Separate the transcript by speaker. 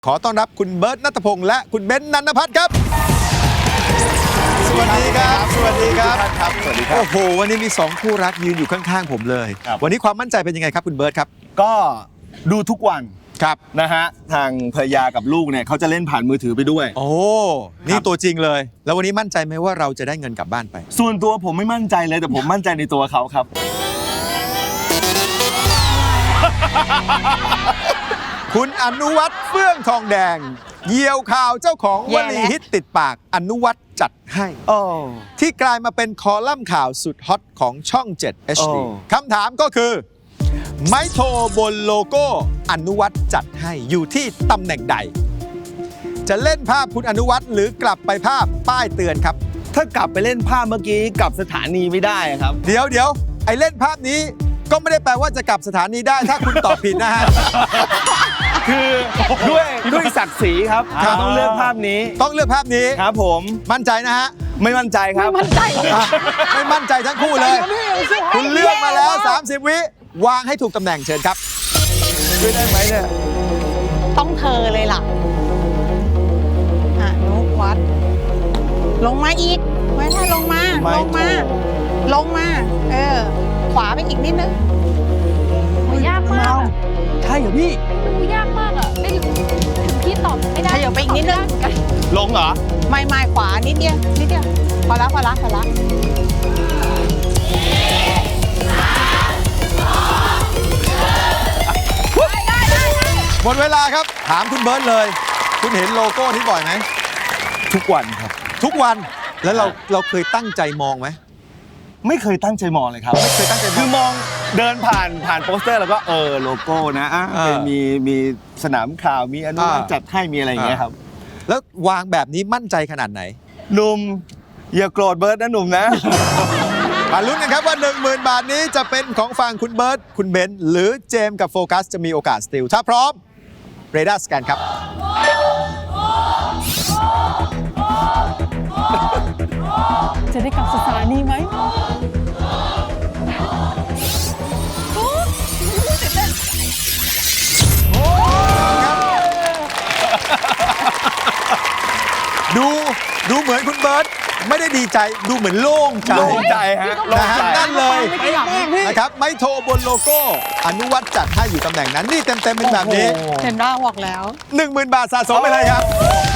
Speaker 1: ขอต้อนรับคุณเบิร์ต ณัฐพงษ์และคุณเบนซ์ นันทพัฒน์ครับสวัสดีครับ สวัสดีครับ
Speaker 2: สวัสดีครับ
Speaker 1: โอ้โห วันนี้มี2คู่รักยืนอยู่ข้างๆผมเลย
Speaker 2: ครับ
Speaker 1: วันนี้ความมั่นใจเป็นยังไงครับคุณเบิร์ตครับ
Speaker 2: ก็ดูทุกวัน
Speaker 1: ครับ
Speaker 2: นะฮะทางภรรยากับลูกเนี่ยเขาจะเล่นผ่านมือถือไปด้วย
Speaker 1: โอ้ นี่ตัวจริงเลย แล้ววันนี้มั่นใจไหมว่าเราจะได้เงินกลับบ้านไป
Speaker 2: ส่วนตัวผมไม่มั่นใจเลยแต่ผมมั่นใจในตัวเขาครับ
Speaker 1: คุณอนุวัฒน์เฟื่องทองแดงเหยี่ยวข่าวเจ้าของวลีฮิตติดปากอนุวัฒน์จัดให้
Speaker 2: โอ้
Speaker 1: ที่กลายมาเป็นคอลัมน์ข่าวสุดฮอตของช่อง 7 HD
Speaker 2: โอ้
Speaker 1: คำถามก็คือ ไม้โทบนโลโก้อนุวัฒน์จัดให้อยู่ที่ตำแหน่งใด จะเล่นภาพคุณอนุวัฒน์หรือกลับไปภาพป้ายเตือนครับ
Speaker 2: ถ้ากลับไปเล่นภาพเมื่อกี้กลับสถานีไม่ได้ครับ
Speaker 1: เดี๋ยวไอ้เล่นภาพนี้ก็ไม่ได้แปลว่าจะกลับสถานีได้ถ้าคุณตอบผิดนะฮะ
Speaker 2: คือด้วยศักดิ์ศรีครับ
Speaker 1: ครับ
Speaker 2: ต้องเลือกภาพนี้
Speaker 1: ต้องเลือกภาพนี้
Speaker 2: ครับผม
Speaker 1: มั่นใจนะฮะ
Speaker 2: ไม่มั่นใจครับ
Speaker 3: มั่นใจเลย
Speaker 1: อ่ะไม่มั่นใจทั้งคู่เลย คุณเลือกมาแล้ว 30 วิวางให้ถูกตำแหน่งเชิญครับ
Speaker 2: ช่วยได้ไหมเนี่ย
Speaker 3: ต้องเธอเลยล่ะนุวัด ลงมาอีก ไม่ใช่ลงมา
Speaker 2: ไม่
Speaker 3: ลงมา
Speaker 2: ถูก
Speaker 3: ลงมา ขวาไปอีกนิดนึง
Speaker 4: โอ้ยยากมากอะ
Speaker 2: ใช่เหรอพี่
Speaker 4: มันดูยากมากอ่ะไม่ถึงพี่ตอบไม่ได้
Speaker 3: ขยับไปอีกนิดนึง
Speaker 4: ตอบไม่ไเหมือกัน
Speaker 2: ลงเหรอ
Speaker 3: ไม่ขวานิดเดียว นิดเดียว พอละ
Speaker 1: หมดเวลาครับ ถามคุณเบิร์ตเลย คุณเห็นโลโก้นี้บ่อยไหม
Speaker 2: ทุกวันครับ
Speaker 1: ทุกวันแล้วเราเคยตั้งใจมองไหม
Speaker 2: ไม่เคยตั้งใจมองเลยครับ
Speaker 1: ไม่เคยตั้งใจมอง
Speaker 2: คือมองเดินผ่านโปสเตอร์แล้วก็โลโก้นะเป็นมีสนามข่าวมีอนุวัฒน์จัดให้มีอะไรอย่างเงี้ยครับ
Speaker 1: แล้ววางแบบนี้มั่นใจขนาดไหน
Speaker 2: หนุ่มอย่าโกรธเบิร์ดนะหนุ่มนะ
Speaker 1: มาลุ้นกันครับว่า 10,000 บาทนี้จะเป็นของฝั่งคุณเบิร์ตคุณเบนซ์หรือเจมส์กับโฟกัสจะมีโอกาสสติลถ้าพร้อมเรดาร์สแกนครับ
Speaker 4: จะได้กลับสถานีไหม
Speaker 1: ดูเหมือนคุณเบิร์ตไม่ได้ดีใจดูเหมือนโล่งใจ
Speaker 2: โล่งใจฮะโล่ง
Speaker 1: นะฮะ
Speaker 2: ใจ
Speaker 1: นั่นเลย
Speaker 4: ไม่ขยับนะ
Speaker 1: นะครับไม่โทรบนโลโก้อนุวัฒน์จัดให้อยู่ตำแหน่งนั้นนี่เต็มๆเป็นแบบนี้
Speaker 3: เห็นว่าบอกแล้ว
Speaker 1: 10,000 บาทสะสมไปเลยครับ